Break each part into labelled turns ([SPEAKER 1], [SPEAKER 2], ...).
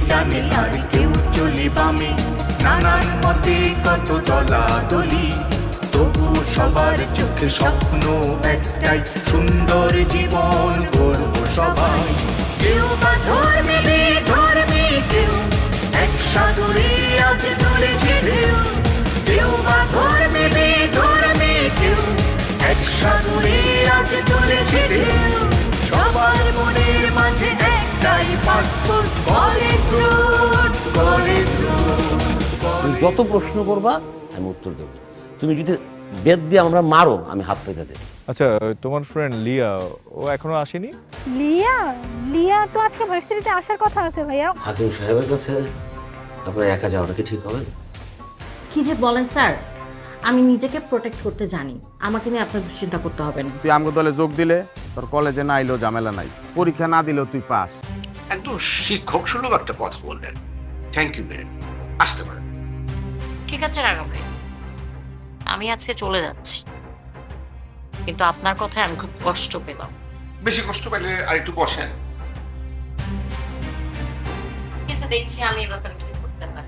[SPEAKER 1] ডানে আর কেউ চলে বামে, নানান মতে কত দলাদলি, তবু সবার চোখে স্বপ্ন একটাই, সুন্দর জীবন গড়ব সবাই। কেউ বা ধর্মে বেধর্মে, কেউ এক সাগরে আজ তুলেছে ঢেউ, কেউ বা ধর্মে বেধর্মে, কেউ এক সাগরে আজ তুলেছে ঢেউ, সবার মনের মাঝে একটাই passport, college road, college road.
[SPEAKER 2] তুমি যত প্রশ্ন করবা আমি উত্তর দেবো। তুমি যদি বেদ দিয়ে আমরা মারো আমি হাত পেতে দেবো।
[SPEAKER 3] আচ্ছা, তোমার ফ্রেন্ড লিয়া ও এখনো আসেনি?
[SPEAKER 4] লিয়া লিয়া তো আজকে ভার্সিটিতে আসার কথা আছে ভাইয়া।
[SPEAKER 2] হাকিম সাহেবের কাছে আপনার একা যাওয়াটা কি ঠিক হবে?
[SPEAKER 5] কি যে বলেন স্যার, আমি নিজেকে প্রোটেক্ট করতে জানি, আমাকে নিয়ে আপনার দুশ্চিন্তা করতে হবে না।
[SPEAKER 6] তুই আমগো দলে যোগ দিলে তোর কলেজে না আইলেও ঝামেলা নাই, পরীক্ষা না দিলেও তুই পাস।
[SPEAKER 7] একদম শিক্ষক সুলভ একটা কথা বললেন। থ্যাংক ইউ ম্যাম, আসতে পারেন।
[SPEAKER 5] ঠিক আছে রাগা ভাই, আমি আজকে চলে যাচ্ছি, কিন্তু আপনার কথায় আমি খুব কষ্ট পেলাম।
[SPEAKER 7] বেশি কষ্ট পেলে আর একটু বসেন।
[SPEAKER 5] কিছু দেখছি আমি এবার কি করতে পারি।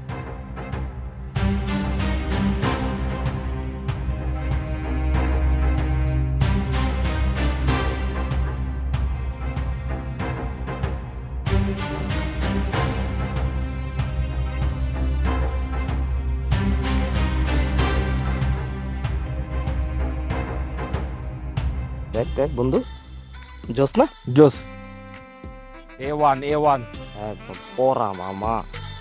[SPEAKER 8] দেখ দেখ বন্ধু, জোস না?
[SPEAKER 6] জোস A1
[SPEAKER 8] একদম পড়া মামা।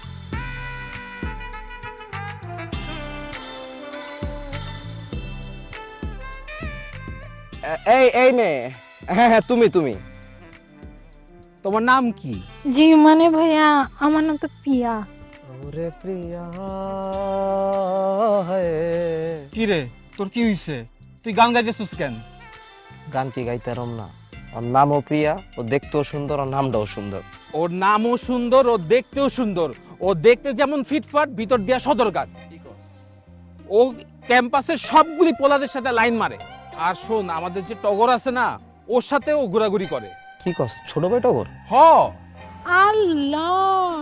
[SPEAKER 8] এই এই নে, হ্যাঁ হ্যাঁ তুমি তুমি তোমার নাম কি?
[SPEAKER 4] জি মানে ভাইয়া আমার নাম তো পিয়া।
[SPEAKER 8] ওরে প্রিয়া
[SPEAKER 9] কি রে তোর কি হইছে? তুই গান গাইতেছিস কেন?
[SPEAKER 8] গান কি গাইতে রম না? ওর নামও প্রিয়া, ও দেখতেও সুন্দর, ওর নামটাও সুন্দর।
[SPEAKER 9] ওর নামও সুন্দর, ও দেখতেও সুন্দর। ও দেখতে যেমন ফিটফাট, ভিতর দিয়া সদরঘাট। ও ক্যাম্পাসের সবগুলি পোলাদের সাথে লাইন মারে। আর শোন, আমাদের যে টগর আছে না, ওর সাথে ও ঘোরাঘুরি করে।
[SPEAKER 8] কি কস, ছোট ভাই টগর?
[SPEAKER 9] হ,
[SPEAKER 4] আল্লাহ,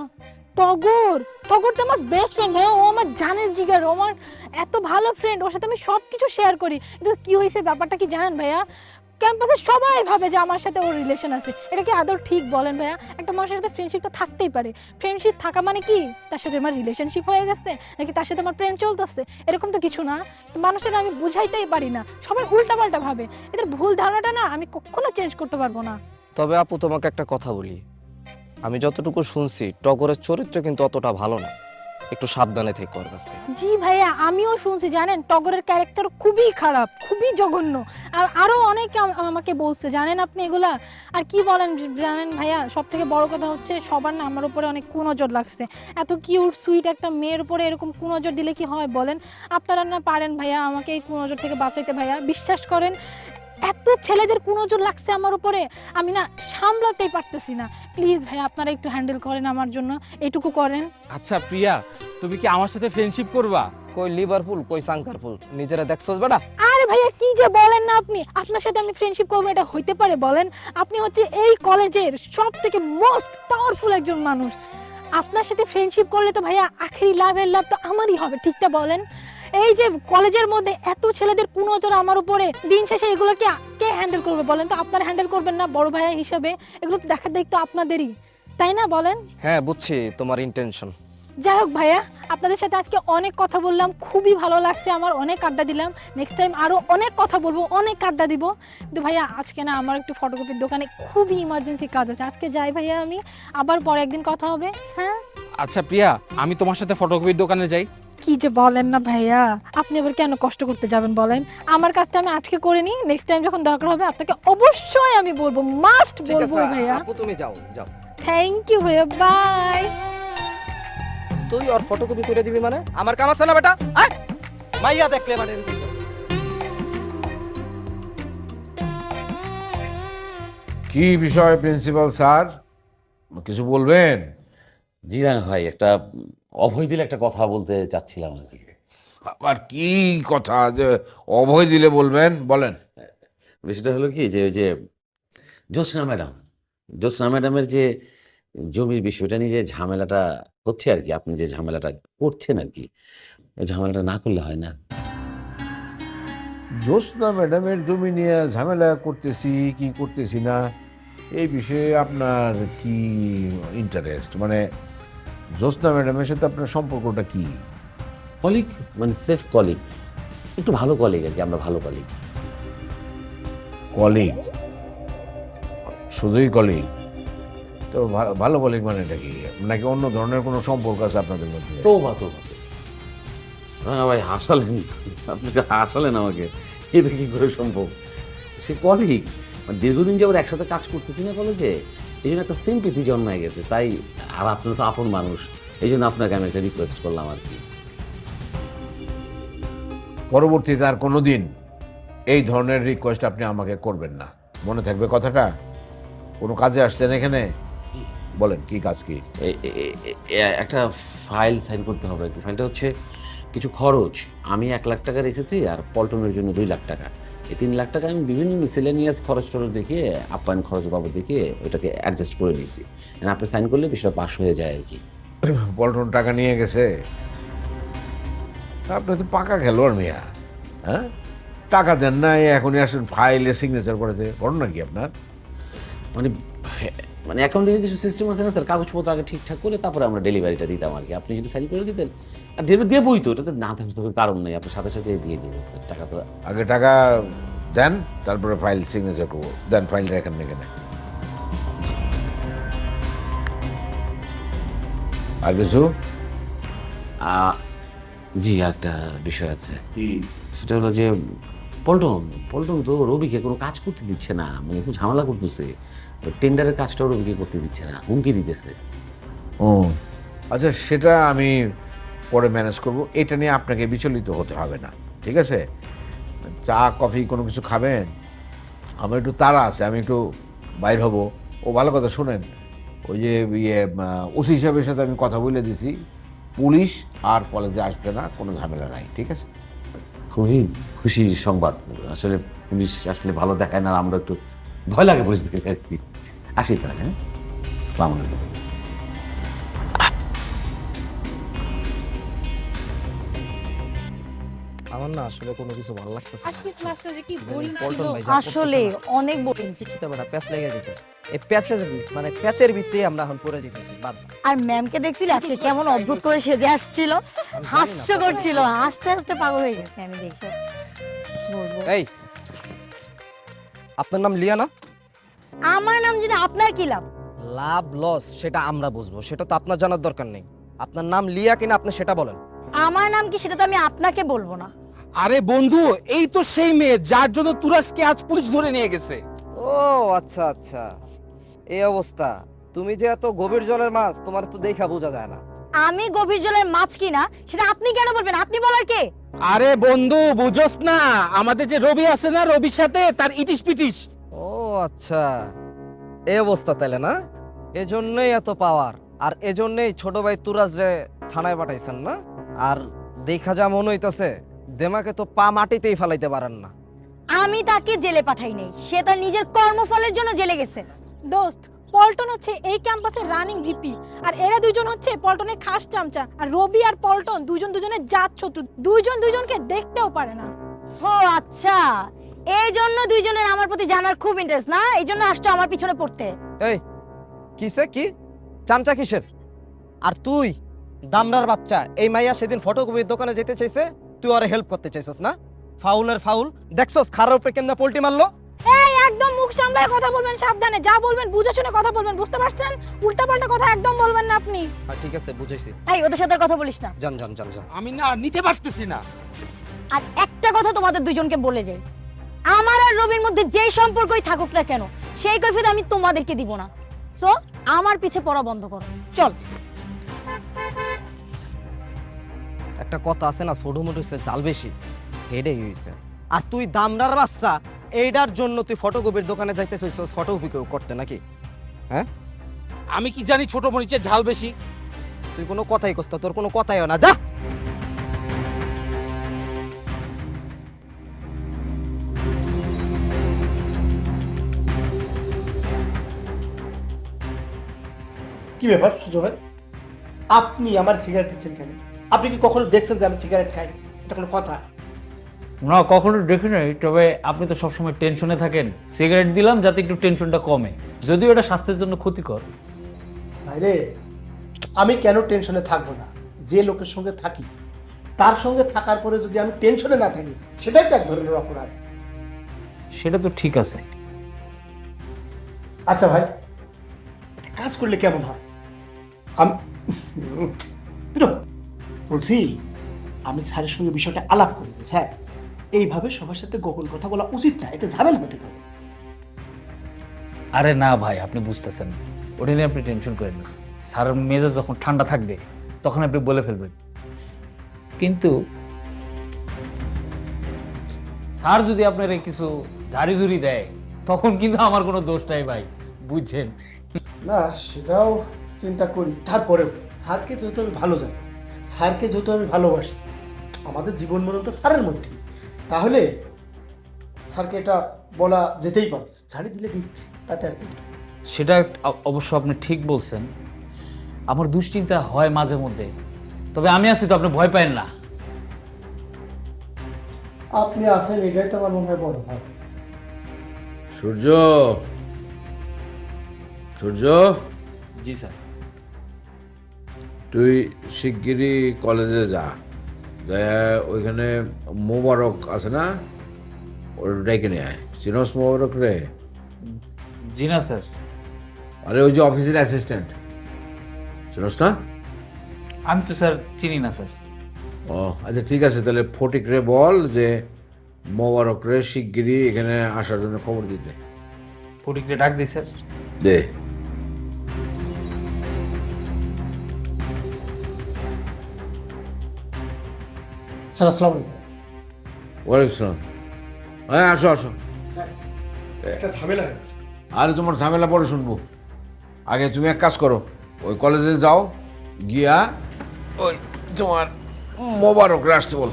[SPEAKER 4] টগর টগর তো আমার বেস্ট ফ্রেন্ড ভাইয়া, ও আমার জানের জিগার, ও আমার এত ভালো ফ্রেন্ড, ওর সাথে আমি সব কিছু শেয়ার করি। কিন্তু কি হয়েছে ব্যাপারটা কি জানেন ভাইয়া? ক্যাম্পাসে সবাই ভাবে যে আমার সাথে ওর রিলেশন আছে। এটা কি আদৌ ঠিক বলেন ভাইয়া? একটা মানুষের সাথে ফ্রেন্ডশিপটা থাকতেই পারে। ফ্রেন্ডশিপ থাকা মানে কি তার সাথে আমার রিলেশনশিপ হয়ে গেছে, নাকি তার সাথে আমার প্রেম চলতেছে? এরকম তো কিছু না। তো মানুষের আমি বুঝাইতেই পারি না, সবাই উল্টাপাল্টা ভাবে। এদের ভুল ধারণাটা না আমি কখনো চেঞ্জ করতে পারবো না।
[SPEAKER 8] তবে আপু তোমাকে একটা কথা বলি, আমি যতটুকু শুনছি টগরের চরিত্র কিন্তু অতটা ভালো না, একটু সাবধানে থেকে ওর কাছ থেকে।
[SPEAKER 4] জি ভাইয়া, আমিও শুনছি জানেন টগরের ক্যারেক্টার খুবই খারাপ, খুবই জঘন্য। আর আরো অনেকে আমাকে বলছে জানেন আপনি এগুলা। আর কি বলেন জানেন ভাইয়া, সব থেকে বড় কথা হচ্ছে সবার না আমার উপরে অনেক কুনজর লাগছে। এত কিউট সুইট একটা মেয়ের উপরে এরকম কুনজর দিলে কি হয় বলেন? আপনারা না পারেন ভাইয়া আমাকে এই কুনজর থেকে বাঁচাইতে ভাইয়া, বিশ্বাস করেন। এত ছেলেদের কুনজর লাগছে আমার উপরে, আমি না সামলাতেই পারতেছি না। প্লিজ ভাইয়া আপনারা একটু হ্যান্ডেল করেন আমার জন্য, এইটুকু করেন।
[SPEAKER 9] আচ্ছা প্রিয়া, তুমি কি আমার সাথে ফ্রেন্ডশিপ করবা?
[SPEAKER 8] কই লিভারপুল, কই সাংকারপুল, নিজেরা দেখছস বেটা?
[SPEAKER 4] আরে ভাইয়া কি যে বলেন না আপনি, আপনার সাথে আমি ফ্রেন্ডশিপ করবো এটা হইতে পারে বলেন? আপনি হচ্ছে এই কলেজের সব থেকে মোস্ট পাওয়ারফুল একজন মানুষ। আপনার সাথে ফ্রেন্ডশিপ করলে তো ভাইয়া আখেরি লাভের লাভ তো আমারই হবে, ঠিকটা বলেন? এই যে কলেজের মধ্যে এত ছেলেদের কুনজর আমার উপরে, দিন শেষে এগুলো কে হ্যান্ডেল করবে বলেন তো? আপনারা হ্যান্ডেল করবেন না বড় ভাইয়া হিসেবে? এগুলো তো দেখার দায়িত্ব আপনাদেরই, তাই না বলেন?
[SPEAKER 8] হ্যাঁ বুঝছি তোমার ইন্টেনশন।
[SPEAKER 4] যাই হোক ভাইয়া, আপনাদের সাথে আজকে অনেক কথা বললাম, খুবই ভালো লাগছে আমার, অনেক আড্ডা দিলাম। নেক্সট টাইম আরো অনেক কথা বলবো, অনেক আড্ডা দিব। কিন্তু ভাইয়া আজকে না আমার একটু ফটোকপির দোকানে খুবই ইমার্জেন্সি কাজ আছে, আজকে যাই ভাইয়া আমি, আবার পরে একদিন কথা হবে। হ্যাঁ
[SPEAKER 9] আচ্ছা প্রিয়া, আমি তোমার সাথে ফটোকপির দোকানে যাই।
[SPEAKER 4] কি যে বলেন না ভাইয়া, আপনি আবার কেন কষ্ট করতে যাবেন বলেন? আমার কাজটা আমি আজকে করে নিই, নেক্সট টাইম যখন দরকার হবে আপনাকে অবশ্যই আমি বলবো, মাস্ট বলবো ভাইয়া।
[SPEAKER 8] আপু তুমি যাও যাও।
[SPEAKER 4] থ্যাংক ইউ ভাইয়া, বাই।
[SPEAKER 8] তুই ওর ফটোকপি করে দিবি মানে? আমার কাম আছে না বেটা, আয় মাইয়া দেখলে মানে।
[SPEAKER 10] কি বিষয় প্রিন্সিপাল স্যার, কিছু বলবেন?
[SPEAKER 2] জি না ভাই, একটা অভয় দিলে একটা কথা বলতে চাচ্ছিলাম আর কি।
[SPEAKER 10] আবার কি কথা যে অভয় দিলে বলবেন, বলেন।
[SPEAKER 2] বিষয়টা হলো কি যে ওই যে জ্যোৎস্না ম্যাডামের যে জমির বিষয়টা নিয়ে যে ঝামেলাটা হচ্ছে আর কি, আপনি যে ঝামেলাটা করছেন আর কি, এই ঝামেলাটা না করলে হয় না।
[SPEAKER 10] জ্যোৎস্না ম্যাডামের জমি নিয়ে ঝামেলা করতেছি কি করতেছি না, এই বিষয়ে আপনার কি ইন্টারেস্ট? মানে জ্যোৎস্না ম্যাডামের সাথে আপনার সম্পর্কটা কি?
[SPEAKER 2] কলিগ, মানে সেফ কলিগ, একটু ভালো কলিগ আর কি, আমরা ভালো কলিগ।
[SPEAKER 10] কলিগ? শুধুই কলিগ? তো ভালো কলিগ মানে এটা কি, নাকি অন্য ধরনের কোনো সম্পর্ক আছে আপনাদের মধ্যে?
[SPEAKER 2] তো ভাই হাসালেন, আপনাকে হাসালেন আমাকে, এটা কি করে সম্ভব? সে কলিগ, দীর্ঘদিন যাবত একসাথে কাজ করতেছি না কলেজে, এই জন্য একটা সিম্পিতি জন্মায় গেছে, তাই। আর আপনার তো আপন মানুষ, এই জন্য আপনাকে আমি একটা রিকোয়েস্ট করলাম আর কি।
[SPEAKER 10] পরবর্তীতে আর কোনো দিন এই ধরনের রিকোয়েস্ট আপনি আমাকে করবেন না, মনে থাকবে কথাটা? কোনো কাজে আসছেন এখানে? বলেন কি কাজ? কি?
[SPEAKER 2] একটা ফাইল সাইন করতে হবে। ফাইলটা হচ্ছে কিছু খরচ, আমি 1 লাখ টাকা রেখেছি, আর পল্টনের জন্য 2 লাখ টাকা। এই 3 লাখ টাকা আমি বিভিন্ন মিসেলেনিয়াস খরচ টরচ দেখিয়ে, আপ্যায়ন খরচ বাবদ দেখিয়ে ওটাকে অ্যাডজাস্ট করে নিয়েছি। আপনি সাইন করলে বিষয়টা পাস হয়ে যায় আর কি।
[SPEAKER 10] পল্টন টাকা নিয়ে গেছে? আপনি তো পাকা খেলোয়াড় মিয়া, হ্যাঁ? টাকা দেন না, এখনই আসেন ফাইলে সিগনেচার করেছে, ঘটনা কি আপনার?
[SPEAKER 2] মানে অ্যাকাউন্টে কিছু সিস্টেম আছে না স্যার, কাগজপত্র আগে ঠিকঠাক করে তারপরে আমরা ডেলিভারিটা দিতাম আর কি। আপনি যদি সাইন করে দিতেন, আর দিয়ে বই তো ওটাতে না থাকতে কারণ নেই, আপনার সাথে সাথে দিয়ে দিবেন স্যার টাকা। তো
[SPEAKER 10] আগে টাকা দেন, তারপরে ফাইল সিগনেচার করবো। দেন ফাইল রেখেন এখানে। আর কিছু?
[SPEAKER 2] জি, একটা বিষয় আছে, সেটা হলো যে পল্টন তো রবিকে কোনো কাজ করতে দিচ্ছে না, মানে খুব ঝামেলা করতেছে। টেন্ডারের কাজটাও রবিকে করতে দিচ্ছে না, হুমকি দিতেছে।
[SPEAKER 10] ও আচ্ছা, সেটা আমি পরে ম্যানেজ করব, এটা নিয়ে আপনাকে বিচলিত হতে হবে না, ঠিক আছে? চা কফি কোনো কিছু খাবেন? আমার একটু তাড়া আছে, আমি একটু বাইর হব। ও ভালো কথা, শুনেন, ওই যে ওসি সাহেবের সাথে আমি কথা বলে দিছি, পুলিশ আর কলেজে আসবে না, কোনো ঝামেলা নাই, ঠিক আছে?
[SPEAKER 2] খুবই খুশি সংবাদ। আসলে পুলিশ আসলে ভালো দেখায় না, আমরা একটু ভয় লাগে পুলিশ দেখে আর কি। আসি তাহলে, হ্যাঁ? আসসালামু আলাইকুম।
[SPEAKER 8] আমার না আসলে কোনো কিছু ভালো লাগতেছে না।
[SPEAKER 4] আজকে ক্লাসটা যে কি বোরিং ছিল।
[SPEAKER 8] পল্টন ভাই যা
[SPEAKER 11] আসলে
[SPEAKER 8] করতেছে
[SPEAKER 11] অনেক বোরিং
[SPEAKER 8] না, কিছুতে বেটা প্যাচ লেগে যেতেছে। এই প্যাচের মানে প্যাচের ভিতরেই আমরা এখন পড়ে যেতেছি। বাদ দাও।
[SPEAKER 11] আর ম্যামকে দেখছিলি আজকে কেমন অদ্ভুত করে সেজে আসছিল, হাস্য করছিল, হাসতে হাসতে পাগল হয়ে গেছে আমি দেখে। বলবো
[SPEAKER 8] এই, আপনার নাম লিয়া না?
[SPEAKER 11] আমার নাম জেনে আপনার কি লাভ?
[SPEAKER 8] লাভ লস সেটা আমরা বুঝবো, সেটা তো আপনার জানার দরকার নেই। আপনার নাম লিয়া কিনা আপনি সেটা বলেন।
[SPEAKER 11] আমার নাম কি সেটা তো আমি আপনাকে বলবো না।
[SPEAKER 9] আরে বন্ধু, এই তো সেই মেয়ে যার জন্য তুরাজকে আজ পুলিশ ধরে নিয়ে গেছে।
[SPEAKER 8] ও আচ্ছা আচ্ছা, এই অবস্থা। তুমি যে এত গভীর জলের মাছ, তোমার তো দেখা বোঝা যায় না।
[SPEAKER 11] আমি গভীর জলের মাছ কিনা সেটা আপনি কেন বলবেন? আপনি বলার কে?
[SPEAKER 9] আরে বন্ধু, বুঝোস না আমাদের যে রবি আছে না, রবির সাথে তার ইটিস পিটিস।
[SPEAKER 8] ও আচ্ছা, এই অবস্থা তাইলে না? এজন্যই এত পাওয়ার, আর এজন্যই ছোট ভাই তুরাজ রে থানায় পাঠাইছেন না? আর দেখা যা মনে হইতাছে দেমাকে তো পা মাটিতেই ফেলাইতে পারেন না।
[SPEAKER 11] আমি তাকে জেলে পাঠাই নাই, সে তার নিজের কর্মফলের জন্য জেলে গেছে।
[SPEAKER 4] দোস্ত, পল্টন হচ্ছে এই ক্যাম্পাসের রানিং ভিপি, আর এরা দুইজন হচ্ছে পল্টনের খাস চামচা। আর রবি আর পল্টন দুজনের জাত শত্রু, দুজনকে দেখতেও পারে না।
[SPEAKER 11] ও আচ্ছা, এই জন্য দুইজনের আমার প্রতি জানার খুব ইন্টারেস্ট না, এই জন্য আসছো আমার পিছনে পড়তে।
[SPEAKER 8] এই কিসে কি চামচা কিসের? আর তুই দামরার বাচ্চা, এই মাইয়া সেদিন ফটোকপির দোকানে যেতে চাইছে, তুই ওরে হেল্প করতে চাইছস না? ফাউলের ফাউল দেখছস, খারাপ উপরে কেমনে পোল্টি মারলো।
[SPEAKER 4] এই একদম মুখ সামলায় কথা বলবেন, সাবধানে, যা বলবেন বুঝে শুনে কথা বলবেন, বুঝতে পারছেন? উল্টাপাল্টা কথা একদম বলবেন না আপনি।
[SPEAKER 8] ঠিক আছে, বুঝাইছি।
[SPEAKER 11] এই ওদের সাথে আর কথা বলিস না।
[SPEAKER 8] জান জান জান জান।
[SPEAKER 9] আমি না নিতে পারতেছি না।
[SPEAKER 11] আর একটা কথা তোমাদের দুইজনকে বলে যাই, আমার আর রবির মধ্যে যেই সম্পর্কই থাকুক না কেন, সেই কৈফিয়ত আমি তোমাদেরকে দিব না। সো আমার পিছে পড়া বন্ধ করো, চল।
[SPEAKER 8] একটা কথা আছে না, ছোট মোটো হইছে জাল বেশি, হেডেই হইছে। আর তুই দামরার বাচ্চা, এইটার জন্য তুই ফটোকপির দোকানে যাইতে চাইছস ফটোকপি করতে নাকি? হ্যাঁ,
[SPEAKER 9] আমি কি জানি ছোট মরিচের ঝাল বেশি?
[SPEAKER 8] তুই কোনো কথাই কষ্ট, তোর কোনো কথাইও না, যা।
[SPEAKER 12] কি ব্যাপার সুজয় ভাই, আপনি আমার সিগারেট দিচ্ছেন কেন? আপনি কি কখনো দেখছেন যে আমি সিগারেট খাই? এটা কোনো কথা?
[SPEAKER 13] না, কখনো দেখি নাই, তবে আপনি তো সবসময় টেনশনে থাকেন। সিগারেট দিলাম যাতে একটু টেনশনটা কমে, যদিও এটা স্বাস্থ্যের জন্য ক্ষতিকর।
[SPEAKER 12] ভাইরে, আমি কেন টেনশনে থাকবো না? যে লোকের সঙ্গে থাকি তার সঙ্গে থাকার পরে যদি আমি টেনশনে না থাকি, সেটাই তো এক ধরনের অপরাধ।
[SPEAKER 13] সেটা তো ঠিক আছে।
[SPEAKER 12] আচ্ছা ভাই, একটা কাজ করলে কেমন হয়? আমি বলছি, আমি স্যারের সঙ্গে বিষয়টা আলাপ করেছি। স্যার, এইভাবে সবার সাথে গোপন কথা বলা উচিত না, এতে ঝামেলা হতে পারে।
[SPEAKER 13] আরে না ভাই, আপনি বুঝতেছেন না, ওটা নিয়ে আপনি টেনশন করেন না। স্যারের মেজাজ যখন ঠান্ডা থাকবে তখন আপনি বলে ফেলবেন। কিন্তু স্যার যদি আপনার কিছু ঝাড়ি ঝুড়ি দেয় তখন কিন্তু আমার কোনো দোষ নাই ভাই, বুঝছেন?
[SPEAKER 12] না, সেটাও চিন্তা করি। তারপরেও স্যারকে যেহেতু আমি ভালো জানি, স্যারকে যেহেতু আমি ভালোবাসি, আমাদের জীবন মরণ তো স্যারের মধ্যে, তাহলে স্যারকে এটা বলা যেতেই পারে। ছাড়ি দিলে দিক, তাতে আর কি।
[SPEAKER 13] সেটা অবশ্য আপনি ঠিক বলছেন। আমার দুশ্চিন্তা হয় মাঝে মধ্যে, তবে আমি আছি তো, আপনি ভয় পাবেন না।
[SPEAKER 12] আপনি আছেন, এটাই তো আমার মনে হয় বড় ভাই।
[SPEAKER 10] সূর্য, সূর্য,
[SPEAKER 13] জি স্যার।
[SPEAKER 10] তুই শিগগিরই কলেজে যা, ওইখানে মোবারক আছে না, ওর ডেকে নিয়ে আয়। চিনস মোবারক রে?
[SPEAKER 13] জি না স্যার।
[SPEAKER 10] আরে ওই যে অফিসের অ্যাসিস্ট্যান্ট, চিনস না?
[SPEAKER 13] আমি তো স্যার চিনি না স্যার।
[SPEAKER 10] ও আচ্ছা, ঠিক আছে, তাহলে ফটিক রে বল যে মোবারক রে শিগগিরই এখানে আসার জন্য খবর দিতে।
[SPEAKER 13] ফটিককে ডাক দিই স্যার।
[SPEAKER 10] দে।
[SPEAKER 12] স্যার আসসালামু আলাইকুম।
[SPEAKER 10] ওয়ালাইকুম আসসালাম। হ্যাঁ, আসো আসো।
[SPEAKER 12] একটা ঝামেলা হয়েছে।
[SPEAKER 10] আরে তোমার ঝামেলা পরে শুনবো, আগে তুমি এক কাজ করো, ওই কলেজে যাও, গিয়া ওই তোমার মোবারকরে আসতে বলো।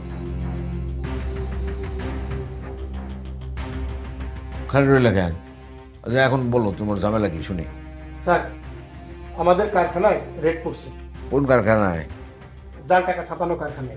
[SPEAKER 10] খালি রইলে কেন? আচ্ছা এখন বলো তোমার ঝামেলা কি শুনি।
[SPEAKER 12] স্যার, আমাদের কারখানায় রেড পড়ছে।
[SPEAKER 10] কোন কারখানায়?
[SPEAKER 12] জাল টাকা ছাপানো কারখানায়।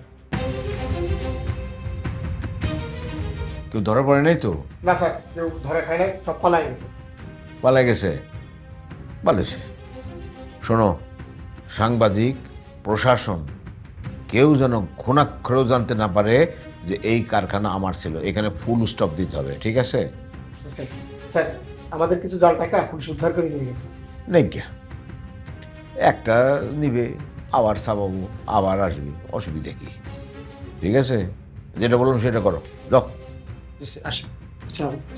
[SPEAKER 10] কেউ ধরা পড়ে নাই তো?
[SPEAKER 12] না স্যার, কেউ ধরে খায় নাই, সব পালাই গেছে।
[SPEAKER 10] পালাই গেছে? পালেছে। শোনো, সাংবাদিক, প্রশাসন, কেউ যেন ঘুণাক্ষরেও জানতে না পারে যে এই কারখানা আমার ছিল। এখানে ফুল স্টপ দিতে হবে, ঠিক আছে?
[SPEAKER 12] স্যার, আমাদের কিছু জাল টাকা পুলিশ উদ্ধার করে নিয়ে গেছে।
[SPEAKER 10] নেই গিয়া, একটা নিবে, আবার ছাপাবো, আবার আসবে, অসুবিধা কি? ঠিক আছে, যেটা বললাম সেটা করো, যাও।
[SPEAKER 12] আসেন। আসসালামু আলাইকুম।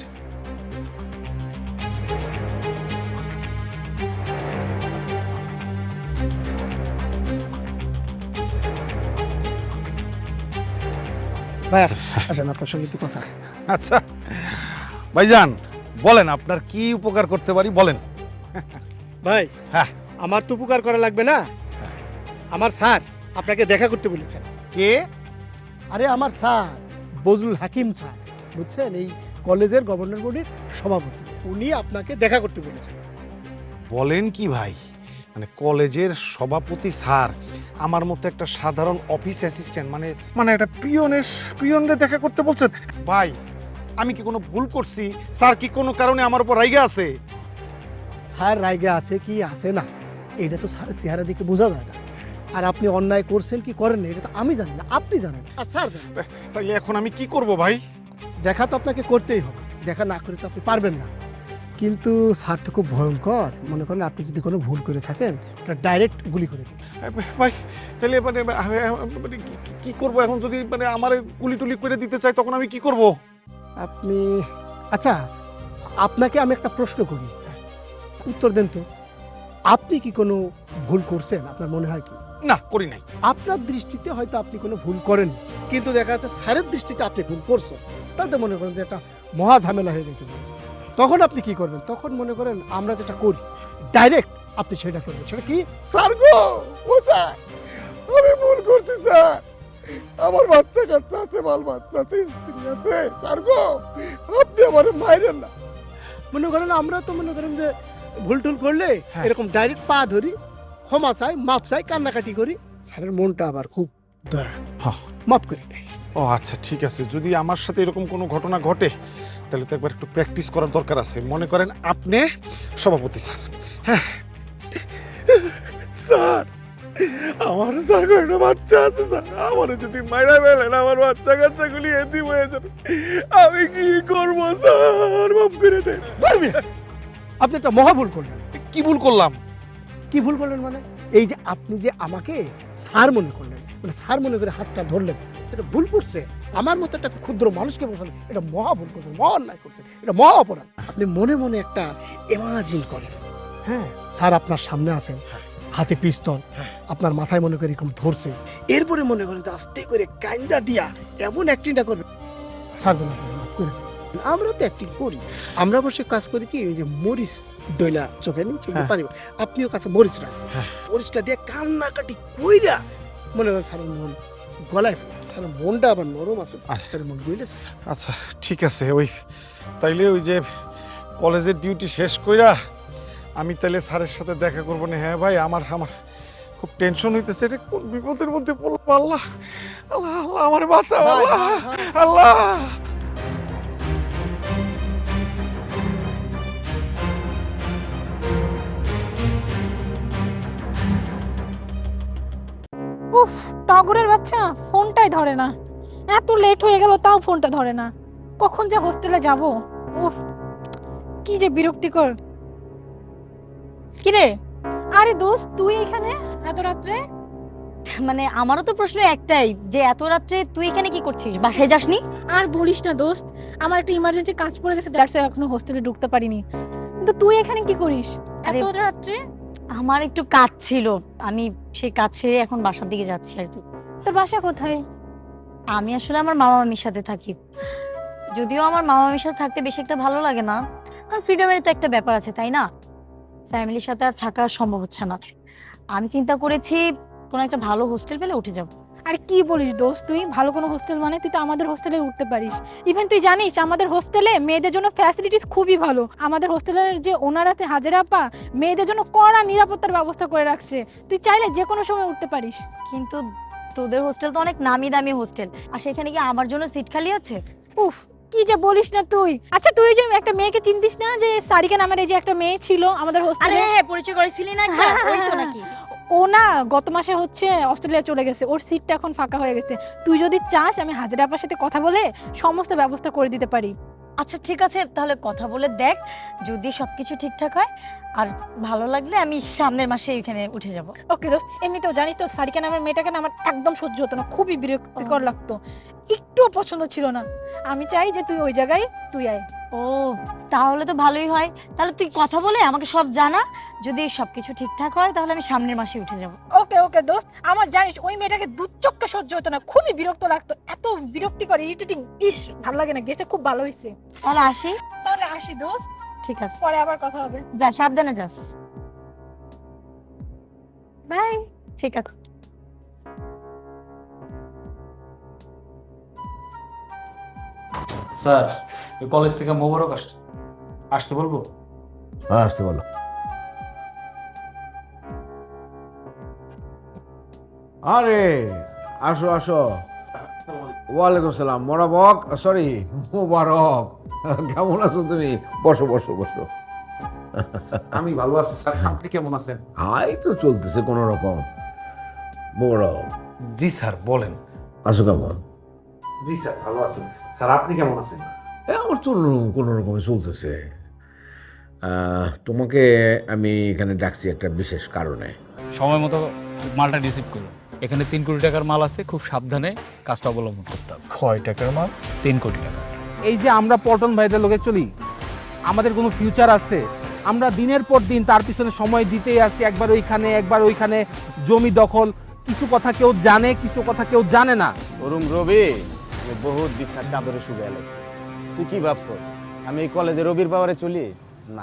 [SPEAKER 12] ভাই আসেন, আপনার সঙ্গে একটু কথা।
[SPEAKER 14] আচ্ছা ভাইজান, বলেন আপনার কি উপকার করতে পারি, বলেন।
[SPEAKER 12] ভাই,
[SPEAKER 14] হ্যাঁ,
[SPEAKER 12] আমার তো উপকার করা লাগবে না। আমার স্যার আপনাকে দেখা করতে বলেছেন।
[SPEAKER 14] কে?
[SPEAKER 12] আরে আমার স্যার বজলুল হাকিম স্যার, বুঝছেন, এই কলেজের গভর্নর বোর্ডের সভাপতি, উনি আপনাকে দেখা করতে বলেছেন।
[SPEAKER 14] বলেন কি ভাই, মানে কলেজের সভাপতি স্যার আমার মতো একটা সাধারণ অফিস অ্যাসিস্ট্যান্ট, মানে একটা পিয়নরে দেখা করতে বলছেন? ভাই, আমি কি কোনো ভুল করছি? স্যার কি কোনো কারণে আমার উপর রাইগা আছে?
[SPEAKER 12] স্যার রাইগা আছে কি আছে না, এটা তো স্যারের চেহারা দেখে বোঝা যায় না। আর আপনি অন্যায় করছেন কি করেন না, এটা তো আমি জানি না, আপনি জানেন। আর স্যার জানেন।
[SPEAKER 14] তাইলে এখন আমি কি করব ভাই?
[SPEAKER 12] দেখা তো আপনাকে করতেই হবে, দেখা না করে তো আপনি পারবেন না। কিন্তু স্যার তো খুব ভয়ঙ্কর, মনে করেন আপনি যদি কোনো ভুল করে থাকেন ডাইরেক্ট গুলি করে দেন।
[SPEAKER 14] ভাই তাহলে মানে কি করব এখন? যদি মানে আমার গুলি টুলি করে দিতে চাই তখন আমি কি করব?
[SPEAKER 12] আপনি, আচ্ছা আপনাকে আমি একটা প্রশ্ন করি, উত্তর দেন তো। আপনি কি কোনো ভুল করছেন? আপনার মনে হয় কি?
[SPEAKER 14] না, করি নাই।
[SPEAKER 12] আপনার দৃষ্টিতে হয়তো আপনি কোনো ভুল করেন, কিন্তু দেখা যাচ্ছে স্যারের দৃষ্টিতে আপনি ভুল করছেন, তাতে মনে করেন যে একটা মহা ঝামেলা হয়ে যেতে পারে। তখন আপনি কি করবেন? তখন মনে করেন আমরা যেটা করি ডাইরেক্ট আপনি সেটা করবেন। সেটা কি? স্যার গো, ও স্যার, আমি ভুল করছি স্যার, আমার বাচ্চা কাচ্চা আছে, বাল বাচ্চা আছে, স্ত্রী আছে, স্যার গো আপনি আমার মাইরেন না। মনে করেন আমরা তো মনে করেন যে ভুল টুল করলে এরকম ডাইরেক্ট পা ধরি, ক্ষমা চাই, মাপ চাই, কান্নাকাটি করি। স্যারের মনটা আবার খুব দয়া, মাপ করে দেয়।
[SPEAKER 14] ও আচ্ছা ঠিক আছে, যদি আমার সাথে এরকম কোনো ঘটনা ঘটে তাহলে তো একবার একটু প্র্যাকটিস করার দরকার আছে। মনে করেন আপনি সভাপতি স্যার, হ্যাঁ স্যার আমার স্যার একটা বাচ্চা আছে স্যার, আমার যদি মাইরা ফেলেন আমার বাচ্চা কাচ্চাগুলি এতিম হয়ে যাবে, আমি কি করবো স্যার, মাফ করে দেন।
[SPEAKER 12] ধরবি আপনি একটা মহা ভুল করলেন।
[SPEAKER 14] কি ভুল করলাম?
[SPEAKER 12] কি ভুল করলেন মানে এই যে আপনি যে আমাকে স্যার মনে করলেন, মানে স্যার মনে করে হাতটা ধরলেন, এটা ভুল করছে। আমার মতো একটা ক্ষুদ্র মানুষকে বসালেন, এটা মহা ভুল করছে, মহা অন্যায় করছে, এটা মহা অপরাধ। আপনি মনে মনে একটা ইমাজিন করেন, হ্যাঁ স্যার আপনার সামনে আছেন, হাতে পিস্তল, আপনার মাথায় মনে করে এরকম ধরছে, এরপরে মনে করেন যে আস্তে করে কাইন্দা দিয়া এমন অ্যাক্টিংটা করবে স্যার যেন আপনাকে মাফ করে দেন। আমরা তো অ্যাক্টিং করি, আমরা বসে কাজ করি কি ওই যে মরিচ ডইলা চোখে নিয়ে চোখে পানি, আপনিও কাছে মরিচ রাখেন, মরিচটা দিয়ে কান্নাকাটি কইরা মনে করেন স্যারের মন গলায়, স্যারের মনটা আবার নরম আছে, স্যারের মন গইলে।
[SPEAKER 14] আচ্ছা ঠিক আছে, ওই তাইলে ওই যে কলেজের ডিউটি শেষ কইরা আমি তাইলে স্যারের সাথে দেখা করবো না। হ্যাঁ ভাই, আমার খুব টেনশন হইতেছে, রে কোন বিপদের মধ্যে পড়বো। আল্লাহ আল্লাহ আল্লাহ আমার বাঁচাও, আল্লাহ আল্লাহ।
[SPEAKER 4] উফ, টগরের বাচ্চা ফোনটাই ধরে না, এত লেট হয়ে গেল তাও ফোনটা ধরে না, কখন যে হোস্টেলে যাব। উফ, কি যে বিরক্তিকর।
[SPEAKER 11] কিরে,
[SPEAKER 4] আরে দোস্ত তুই এখানে এত রাত্রে?
[SPEAKER 11] মানে আমারও তো প্রশ্ন একটাই, যে এত রাত্রে তুই এখানে কি করছিস? বাসায় যাসনি?
[SPEAKER 4] আর বলিস না দোস্ত, আমার একটা ইমার্জেন্সি কাজ পড়ে গেছে, দ্যাটস ওয়াই এখনো হোস্টেলে ঢুকতে পারিনি। কিন্তু তুই এখানে কি করিস
[SPEAKER 11] আরে
[SPEAKER 4] এত রাত্রে?
[SPEAKER 11] আমার একটু কাজ ছিল, আমি সেই কাজ সেরে এখন বাসার দিকে যাচ্ছি আর কি।
[SPEAKER 4] তোর বাসা কোথায়?
[SPEAKER 11] আমি আসলে আমার মামা মামির সাথে থাকি, যদিও আমার মামা মামির সাথে থাকতে বেশি একটা ভালো লাগে না, আর ফ্রিডমের তো একটা ব্যাপার আছে তাই না, ফ্যামিলির সাথে আর থাকা সম্ভব হচ্ছে না। আমি চিন্তা করেছি কোনো একটা ভালো হোস্টেল পেলে উঠে যাব।
[SPEAKER 4] আরে কি বলিস দোস্ত, তুই ভালো কোনো হোস্টেল মানে তুই তো আমাদের হোস্টেলে উঠতে পারিস। ইভেন তুই জানিস আমাদের হোস্টেলে মেয়েদের জন্য ফ্যাসিলিটিস খুবই ভালো। আমাদের হোস্টেলের যে ওনার আছে হাজেরা আপা, মেয়েদের জন্য কড়া নিরাপত্তার ব্যবস্থা করে রাখছে, তুই চাইলে যে কোনো সময় উঠতে পারিস।
[SPEAKER 11] কিন্তু তোদের হোস্টেল তো অনেক নামি দামি হোস্টেল, আর সেখানে কি আমার জন্য সিট খালি আছে?
[SPEAKER 4] উফ, কি যে বলিস না তুই। আচ্ছা তুই যে একটা মেয়েকে চিনতিস না, যে সারিকা নামের এই যে একটা মেয়ে ছিল আমাদের হোস্টেলে?
[SPEAKER 11] হ্যাঁ, পরিচয় করেছিলি না? ওই তো নাকি?
[SPEAKER 4] ও না গত মাসে হচ্ছে অস্ট্রেলিয়া চলে গেছে, ওর সিটটা এখন ফাঁকা হয়ে গেছে। তুই যদি চাস আমি হাজেরা আপার সাথে কথা বলে সমস্ত ব্যবস্থা করে দিতে পারি।
[SPEAKER 11] আচ্ছা ঠিক আছে, তাহলে কথা বলে দেখ, যদি সবকিছু ঠিকঠাক হয় আর ভালো লাগলে আমি সামনের মাসে এখানে উঠে যাব।
[SPEAKER 4] ওকে দোস্ত, এমনিতেও জানিস তো সারিকা নামের মেয়েটাকে না আমার একদম সহ্য হতো না, খুবই বিরক্তিকর লাগতো, একটুও পছন্দ ছিল না। আমি চাই যে তুই ওই জায়গায় তুই আয়।
[SPEAKER 11] ও তাহলে তো ভালোই হয়, তাহলে তুই কথা বলে আমাকে সব জানা, যদি সবকিছু ঠিকঠাক হয় তাহলে আমি সামনের মাসে উঠে যাব।
[SPEAKER 4] ওকে ওকে দোস্ত, আমার জানিস ওই মেয়েটাকে দুচক্ষে সহ্য হতো না, খুবই বিরক্ত লাগতো, এত বিরক্তিকর, ইরিটেটিং, ইস ভালো লাগে না। গেছে খুব ভালো হয়েছে।
[SPEAKER 11] তাহলে আসি?
[SPEAKER 4] তাহলে আসি দোস্ত,
[SPEAKER 11] ঠিক আছে,
[SPEAKER 4] পরে আবার কথা হবে।
[SPEAKER 11] যা, সাবধানে যাস।
[SPEAKER 4] বাই।
[SPEAKER 11] ঠিক আছে।
[SPEAKER 13] স্যার, কলেজ থেকে মোবারক আসতে বলবো?
[SPEAKER 10] হ্যাঁ আসতে বলো। আরে আসো আসো। ওয়ালাইকুম সালাম। মোবারক, সরি মোবারক, কেমন আছো তুমি? বসো বসো বসো।
[SPEAKER 6] আমি ভালো আছি স্যার, আপনি কেমন আছেন?
[SPEAKER 10] হাই তো চলতেছে কোনো রকম। মোবারক।
[SPEAKER 14] জি স্যার বলেন।
[SPEAKER 10] আছো কেমন?
[SPEAKER 6] জি স্যার ভালো আছেন। স্যার আপনি কেমন আছেন?
[SPEAKER 10] আমার তো কোনো রকমে চলতেছে। তোমাকে আমি এখানে ডাকছি একটা বিশেষ কারণে।
[SPEAKER 13] সময় মতো মালটা রিসিভ করো। এখানে 3 কোটি টাকার মাল আছে, খুব সাবধানে কাজটা অবলম্বন করতে হবে।
[SPEAKER 3] কয় টাকার মাল?
[SPEAKER 13] 3 কোটি টাকা।
[SPEAKER 9] এই যে আমরা পল্টন ভাইদের লোকে চলি, আমাদের কোনো ফিউচার আছে? আমরা দিনের পর দিন তার পিছনে সময় দিতেই আছি, একবার ওইখানে একবার ওইখানে, জমি দখল, কিছু কথা কেউ জানে কিছু কথা কেউ জানে না।
[SPEAKER 8] ওরম রবি বহুত বিশ্বাস চাদরে শুয়ে গেছে। তুই কি ভাবছস আমি এই কলেজে রবির পাওয়ারে চলি? না।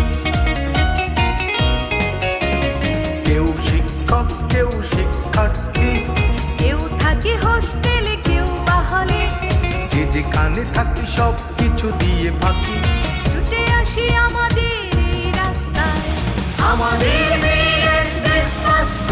[SPEAKER 1] কেউ শিক্ষক কেউ শিক্ষার্থী,
[SPEAKER 11] কেউ থাকে হোস্টেলে কেউ বা হলে,
[SPEAKER 1] যে যেখানে থাকি সব কিছু দিয়ে ফাঁকি,
[SPEAKER 11] ছুটে আসি আমাদের এই রাস্তায়,
[SPEAKER 1] আমাদের মেয়ের ক্রিসমাস